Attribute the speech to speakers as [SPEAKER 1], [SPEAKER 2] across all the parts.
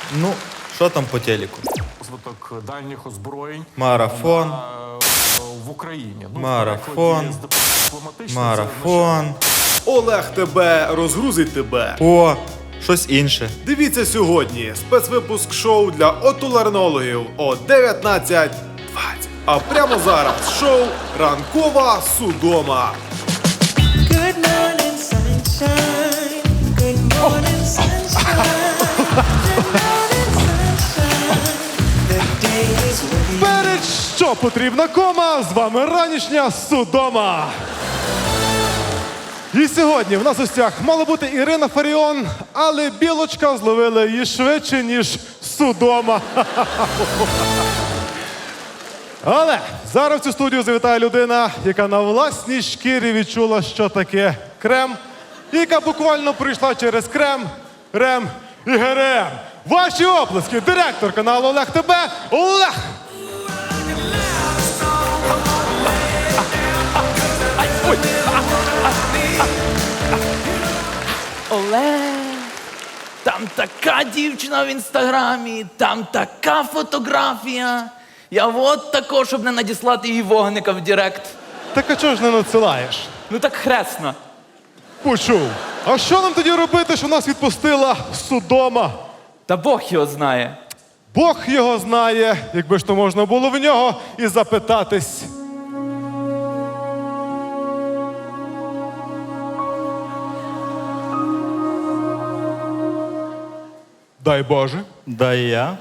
[SPEAKER 1] Ну, що там по телеку?
[SPEAKER 2] Розвиток дальніх озброєнь
[SPEAKER 1] Марафон,
[SPEAKER 2] в Україні. Ну,
[SPEAKER 1] марафон,
[SPEAKER 2] дипломатично
[SPEAKER 1] марафон.
[SPEAKER 3] Олег тебе розгрузить тебе.
[SPEAKER 1] О, щось інше.
[SPEAKER 3] Дивіться сьогодні спецвипуск шоу для отоларинологів о 19:20. А прямо зараз шоу «Ранкова Судома».
[SPEAKER 4] Good morning, sunshine. Good morning, sunshine. Good morning, sunshine. The day is with you.
[SPEAKER 5] Перед що потрібна кома, з вами ранішня Судома. І сьогодні в нас у гостях мала бути Ірина Фаріон, але білочка зловила її швидше, ніж Судома. Але зараз в цю студію завітає людина, яка на власній шкірі відчула, що таке крем, і яка буквально пройшла через крем, рем і ГРМ. Ваші оплески, директор каналу Олег ТБ, Олег!
[SPEAKER 6] Олег, там така дівчина в інстаграмі, там така фотографія. Я от також, щоб не надіслати їй вогника в Директ.
[SPEAKER 5] Так а чого ж не надсилаєш?
[SPEAKER 6] Ну так хресно.
[SPEAKER 5] Почув. А що нам тоді робити, що нас відпустила Судома?
[SPEAKER 6] Та Бог його знає.
[SPEAKER 5] Бог його знає, якби ж то можна було в нього і запитатись. Дай Боже.
[SPEAKER 1] Да і я.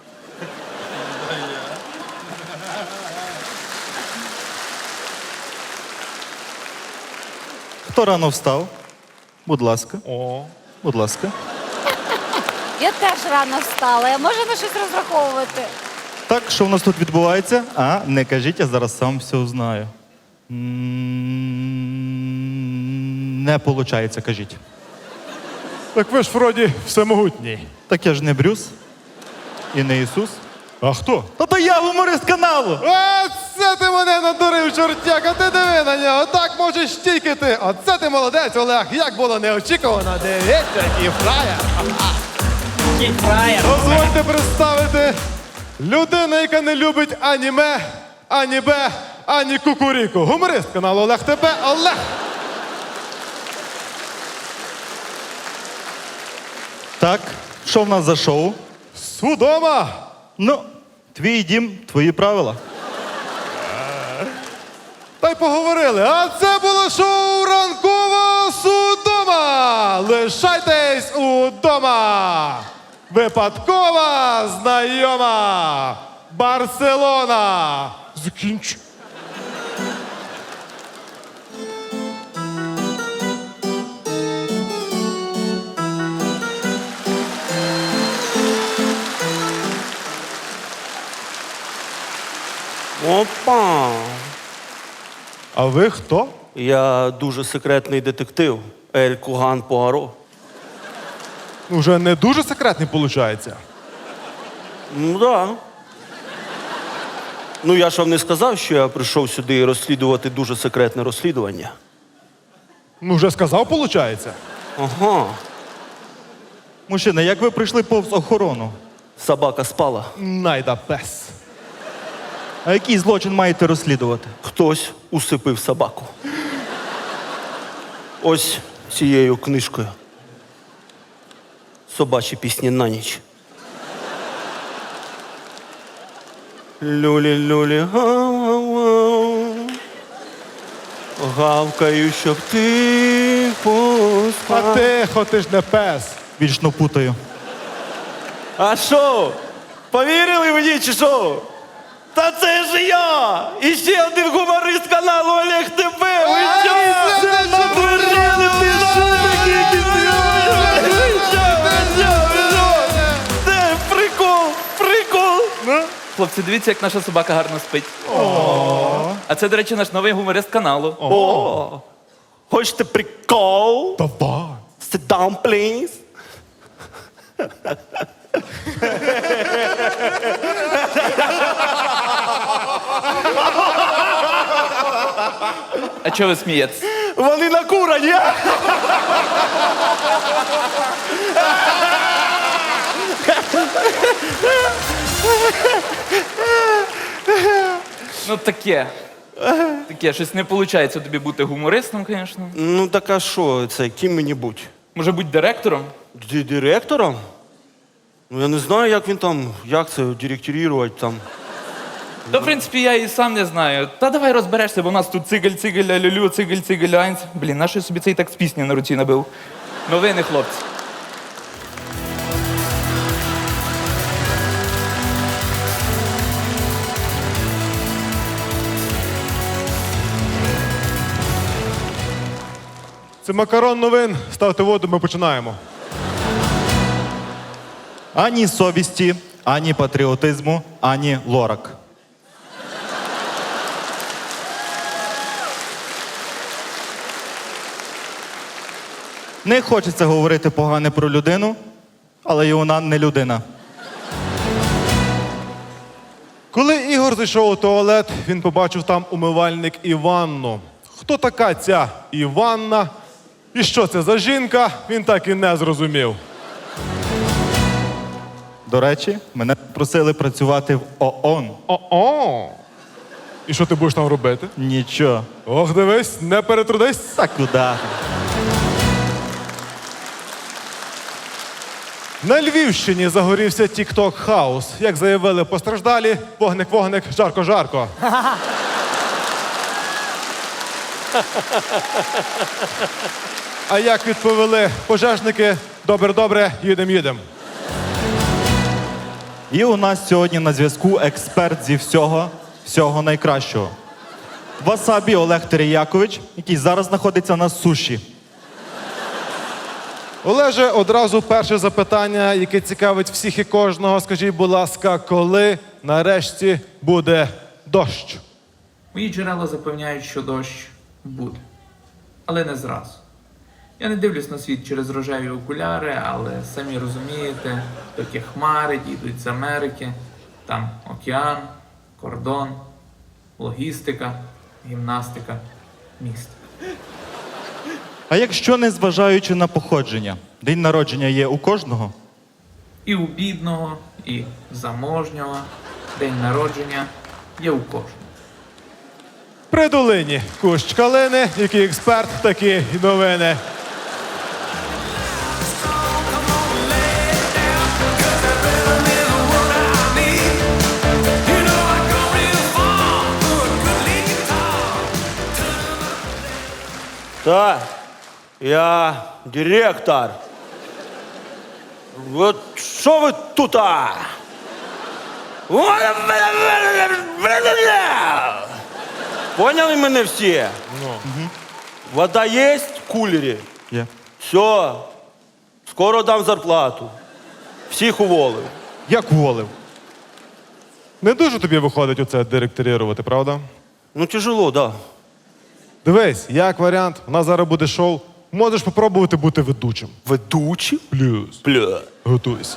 [SPEAKER 1] Хто рано встав? Будь ласка.
[SPEAKER 5] О.
[SPEAKER 1] Будь ласка.
[SPEAKER 7] Я теж рано встала. Я можу на щось розраховувати.
[SPEAKER 1] Так, що в нас тут відбувається? А, не кажіть, я зараз сам все узнаю. Не виходить, кажіть.
[SPEAKER 5] Так ви ж вроді всемогутній.
[SPEAKER 1] Так я ж не Брюс і не Ісус.
[SPEAKER 5] А хто?
[SPEAKER 1] Та то я гуморист каналу!
[SPEAKER 5] Оце ти мене надурив, чортяк, а ти диви на нього, так можеш тільки ти. Оце ти молодець, Олег, як було неочікувано, дивіться, який фраєр. Дозвольте представити людину, яка не любить аніме, ані Б, ані кукуріку. Гуморист каналу Олег ТБ, Олег.
[SPEAKER 1] Так, що в нас за шоу?
[SPEAKER 5] Судома.
[SPEAKER 1] Ну, твій дім, твої правила.
[SPEAKER 5] Та й поговорили. А це було шоу «Ранкова Судома». Лишайтесь удома. Випадкова знайома. Барселона. Закінч.
[SPEAKER 8] Опа!
[SPEAKER 5] А ви хто?
[SPEAKER 8] Я дуже секретний детектив Ель Куган Пуаро.
[SPEAKER 5] Уже не дуже секретний, виходить.
[SPEAKER 8] Ну да. Ну я ж вам не сказав, що я прийшов сюди розслідувати дуже секретне розслідування.
[SPEAKER 5] Ну, вже сказав, виходить.
[SPEAKER 8] Ага.
[SPEAKER 1] Мужчина, як ви прийшли повз охорону?
[SPEAKER 8] Собака спала.
[SPEAKER 5] Найда пес.
[SPEAKER 1] А який злочин маєте розслідувати?
[SPEAKER 8] Хтось усипив собаку. Ось цією книжкою. Собачі пісні на ніч. Люлі-люлі, гав-гав-гав. Гавкаю, щоб ти
[SPEAKER 5] А
[SPEAKER 8] поспав.
[SPEAKER 5] тихо, ти ж не пес.
[SPEAKER 1] Вічно путаю.
[SPEAKER 8] А що? Повірили мені чи що? Та це ж я! І ще один гуморист каналу Олег ТБ! Ви що? Надурили ви Це прикол!
[SPEAKER 6] Хлопці, дивіться, як наша собака гарно спить. А це, до речі, наш новий гуморист каналу.
[SPEAKER 8] О! Хочете прикол?
[SPEAKER 5] Давай.
[SPEAKER 8] Sit down, please.
[SPEAKER 6] А чого ви смієтесь?
[SPEAKER 8] Вони накурені!
[SPEAKER 6] Ну таке. Таке, щось не виходить тобі бути гумористом, звісно.
[SPEAKER 8] Ну так а що це, ким мені будь?
[SPEAKER 6] Може бути директором?
[SPEAKER 8] Директором? Ну я не знаю, як він там, як це директорувати там.
[SPEAKER 6] Та, в принципі, я і сам не знаю. Та давай розберешся, бо у нас тут цигель-цигель, алюлю, цигель-цигель, айнц. Блін, наш я собі цей текст пісні на руці набив. Новини, хлопці.
[SPEAKER 5] Це макарон новин. Ставте воду, ми починаємо.
[SPEAKER 1] Ані совісті, ані патріотизму, ані лорак. Не хочеться говорити погане про людину, але і вона не людина.
[SPEAKER 5] Коли Ігор зайшов у туалет, він побачив там умивальник і ванну. Хто така ця Іванна? І що це за жінка, він так і не зрозумів.
[SPEAKER 1] До речі, мене просили працювати в ООН.
[SPEAKER 5] О-о! І що ти будеш там робити?
[SPEAKER 1] Нічого.
[SPEAKER 5] Ох, дивись, не перетрудись.
[SPEAKER 1] Та куди?
[SPEAKER 5] На Львівщині загорівся тік-ток хаус. Як заявили постраждалі, вогник-вогник, жарко-жарко. А як відповіли пожежники, добре-добре, їдем-їдем.
[SPEAKER 1] І у нас сьогодні на зв'язку експерт зі всього найкращого. Васабі Олег Теріякович, який зараз знаходиться на суші.
[SPEAKER 5] Олеже, одразу перше запитання, яке цікавить всіх і кожного. Скажіть, будь ласка, коли нарешті буде дощ?
[SPEAKER 9] Мої джерела запевняють, що дощ буде. Але не зразу. Я не дивлюсь на світ через рожеві окуляри, але самі розумієте, такі хмари дійдуть з Америки, там океан, кордон, логістика, гімнастика, містика.
[SPEAKER 1] А якщо не зважаючи на походження, день народження є у кожного?
[SPEAKER 9] І у бідного, і заможнього день народження є у кожного.
[SPEAKER 5] При долині кущ калини, який експерт, такі й новини.
[SPEAKER 8] Так, я директор. От що ви тут? Поняли мене всі? Вода є в кулері?
[SPEAKER 1] Є.
[SPEAKER 8] Все, скоро дам зарплату. Всіх уволив.
[SPEAKER 1] Як уволив?
[SPEAKER 5] Не дуже тобі виходить оце директорувати, правда?
[SPEAKER 8] Ну, тяжело, да.
[SPEAKER 5] Дивись, як варіант, у нас зараз буде шоу. Можеш попробувати бути ведучим.
[SPEAKER 8] Ведучий?
[SPEAKER 5] Плюс.
[SPEAKER 8] Бля.
[SPEAKER 5] Готуйся.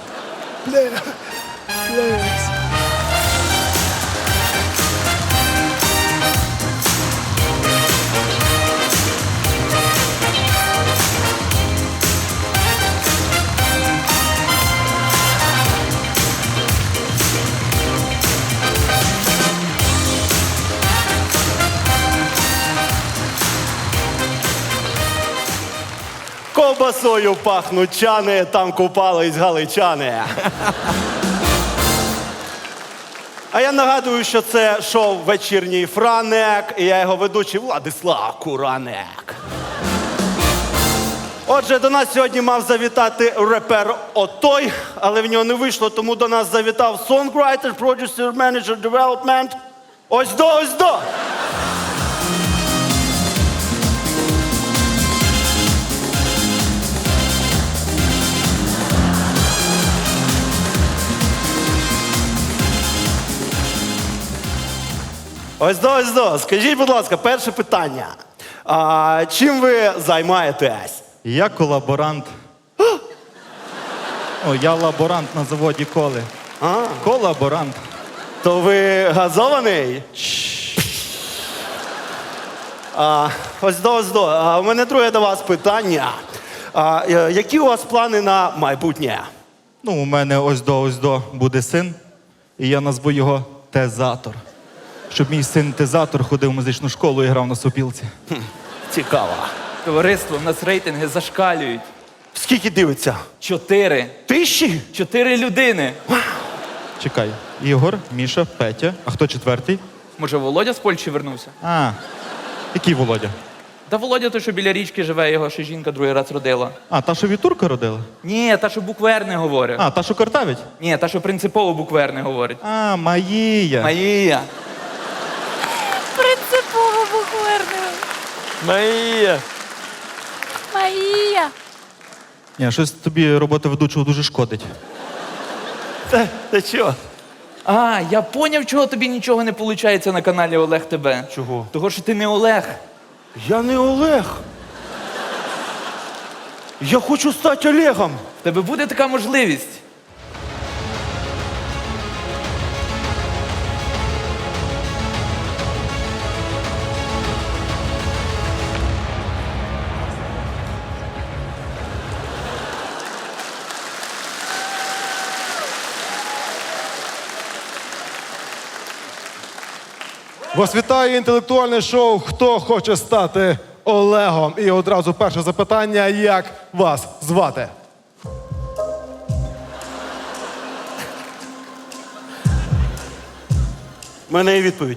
[SPEAKER 8] Ковбасою пахнуть чани, там купались галичани. А я нагадую, що це шоу «Вечірній Франек», і я його ведучий Владислав Куранек. Отже, до нас сьогодні мав завітати репер Отой, але в нього не вийшло, тому до нас завітав сонграйтер, продюсер, менеджер, девелопмент. Ось до, ось до! Ось до, ось до. Скажіть, будь ласка, перше питання. Чим ви займаєтесь?
[SPEAKER 1] Я колаборант. О, я лаборант на заводі коли. Колаборант.
[SPEAKER 8] То ви газований? Ось до, ось до. У мене друге до вас питання. Які у вас плани на майбутнє?
[SPEAKER 1] Ну, у мене ось до буде син, і я назву його Тезатор. щоб мій синтезатор ходив в музичну школу і грав на сопілці.
[SPEAKER 8] Цікаво.
[SPEAKER 6] Товариство, в нас рейтинги зашкалюють.
[SPEAKER 8] Скільки дивиться?
[SPEAKER 6] 4.
[SPEAKER 8] 1000?
[SPEAKER 6] 4 людини.
[SPEAKER 1] Чекай. Ігор, Міша, Петя. А хто четвертий?
[SPEAKER 6] Може, Володя з Польщі вернувся?
[SPEAKER 1] А, який Володя?
[SPEAKER 6] Та Володя той, що біля річки живе, його ще жінка другий раз родила.
[SPEAKER 1] А, та, що від турка родила?
[SPEAKER 6] Ні, та, що букви «Р» не говорить.
[SPEAKER 1] А, та, що картавить?
[SPEAKER 6] Ні, та, що принципово букви «Р» не говорить.
[SPEAKER 1] А, Маїя.
[SPEAKER 6] Марія.
[SPEAKER 7] Принципово букварно.
[SPEAKER 8] Марія.
[SPEAKER 7] Марія.
[SPEAKER 1] Ні, щось тобі робота ведучого дуже шкодить.
[SPEAKER 8] Та чого?
[SPEAKER 6] А, я поняв, чого тобі нічого не виходить на каналі Олег ТБ.
[SPEAKER 8] Чого?
[SPEAKER 6] Того, що ти не Олег.
[SPEAKER 8] Я не Олег. Я хочу стати Олегом.
[SPEAKER 6] В тебе буде така можливість.
[SPEAKER 5] Вас вітає інтелектуальне шоу «Хто хоче стати Олегом?» І одразу перше запитання, як вас звати?
[SPEAKER 8] У мене є відповідь.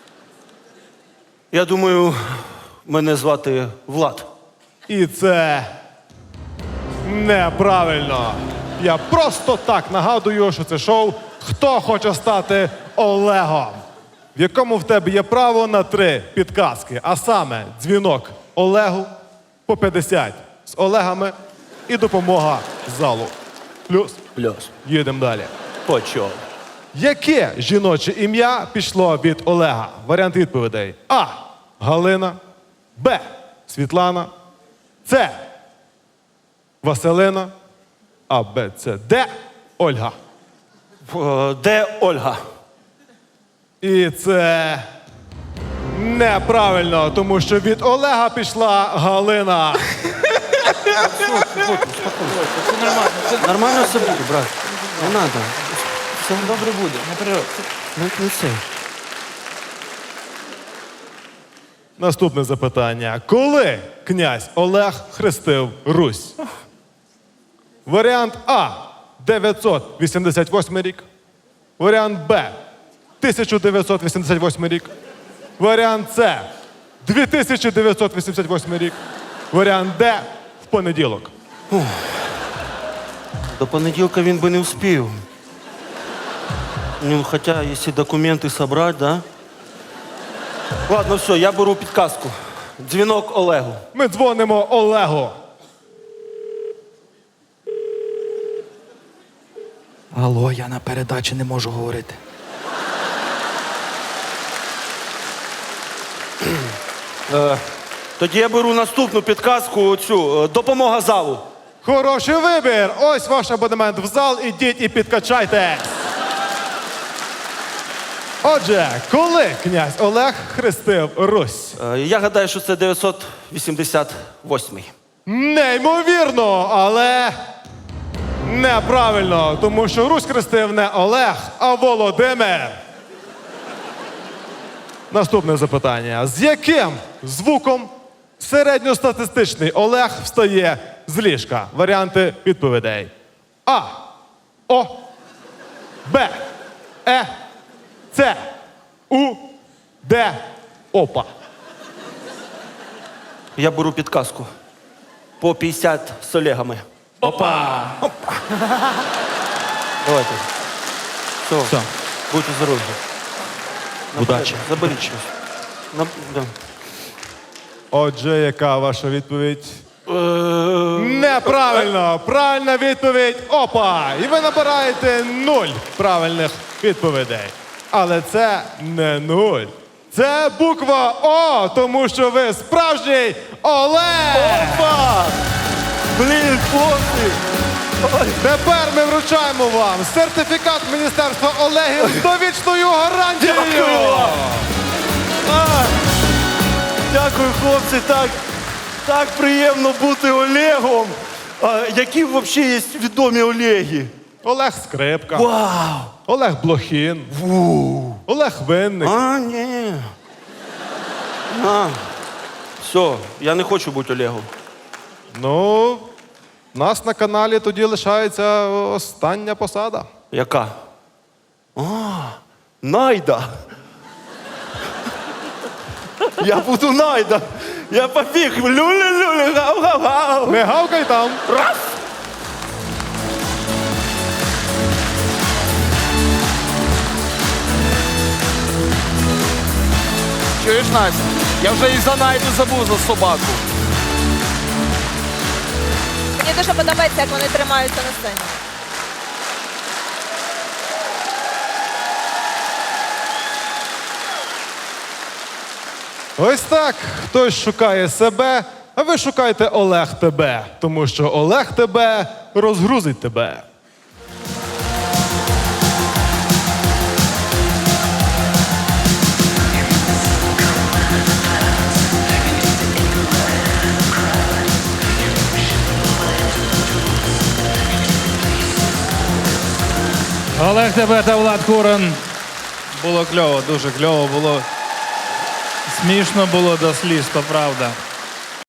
[SPEAKER 8] Я думаю, мене звати Влад.
[SPEAKER 5] І це неправильно. Я просто так нагадую, що це шоу «Хто хоче стати Олегом?», в якому в тебе є право на 3 підказки, а саме дзвінок Олегу по 50 з Олегами і допомога залу. Плюс.
[SPEAKER 8] Плюс.
[SPEAKER 5] Їдемо далі.
[SPEAKER 8] Почов.
[SPEAKER 5] Яке жіноче ім'я пішло від Олега? Варіант відповідей. А. Галина. Б. Світлана. С. Василина. А, Б, С, Д. Ольга.
[SPEAKER 8] Де Ольга?
[SPEAKER 5] І це неправильно, тому що від Олега пішла Галина.
[SPEAKER 8] Нормально все буде, брат. Не треба.
[SPEAKER 6] Все добре буде, не переживай.
[SPEAKER 8] Не це.
[SPEAKER 5] Наступне запитання. Коли князь Олег хрестив Русь? Варіант А. 988 рік. Варіант Б. 1988 рік. Варіант С. 2988 рік. Варіант Д. В понеділок.
[SPEAKER 8] До понеділка він би не встиг. Ну, хоча, якщо документи зібрати, да? Ладно, все, я беру підказку. Дзвінок Олегу.
[SPEAKER 5] Ми дзвонимо Олегу.
[SPEAKER 6] Алло, я на передачі не можу говорити.
[SPEAKER 8] Тоді я беру наступну підказку, цю допомога залу.
[SPEAKER 5] Хороший вибір. Ось ваш абонемент в зал. Ідіть і підкачайте. Отже, коли князь Олег хрестив Русь?
[SPEAKER 8] Я гадаю, що це 988.
[SPEAKER 5] Неймовірно, але неправильно, тому що Русь хрестив не Олег, а Володимир. Наступне запитання. З яким звуком середньостатистичний Олег встає з ліжка? Варіанти відповідей. А. О. Б. Е. С. У. Д. Опа.
[SPEAKER 8] Я беру підказку. По 50 з Олегами.
[SPEAKER 6] Опа!
[SPEAKER 8] Давайте. Все.
[SPEAKER 1] Все.
[SPEAKER 8] Будьте здорові.
[SPEAKER 1] Удачі.
[SPEAKER 8] Заберіть щось. Да.
[SPEAKER 5] Отже, яка ваша відповідь? Неправильно! Правильна відповідь опа! І ви набираєте 0 правильних відповідей. Але це не 0. Це буква О, тому що ви справжній Олег!
[SPEAKER 8] Опа! Блін, хлопці!
[SPEAKER 5] Тепер ми вручаємо вам сертифікат Міністерства Олегів з довічною гарантією!
[SPEAKER 8] Дякую вам! Дякую, хлопці, так приємно бути Олегом. Які взагалі є відомі Олеги?
[SPEAKER 5] Олег Скрипка.
[SPEAKER 8] Вау!
[SPEAKER 5] Олег Блохін. Олег Винник.
[SPEAKER 8] А, ні. Все, я не хочу бути Олегом.
[SPEAKER 5] Ну, у нас на каналі тоді лишається остання посада.
[SPEAKER 8] Яка? Найда. Я буду Найда. Я побіг. Люлі-люлі, гав-гав-гав.
[SPEAKER 5] Не гавкай там.
[SPEAKER 8] Раз.
[SPEAKER 10] Чуєш, Настя? Я вже і за Найду забув за собаку.
[SPEAKER 7] Мені дуже подобається, як вони тримаються на сцені.
[SPEAKER 5] Ось так. Хтось шукає себе, а ви шукайте Олег тебе. Тому що Олег тебе розгрузить тебе.
[SPEAKER 11] Олег Тебе та Влад Куран. Було кльово, дуже кльово було. Смішно було до сліз, то правда.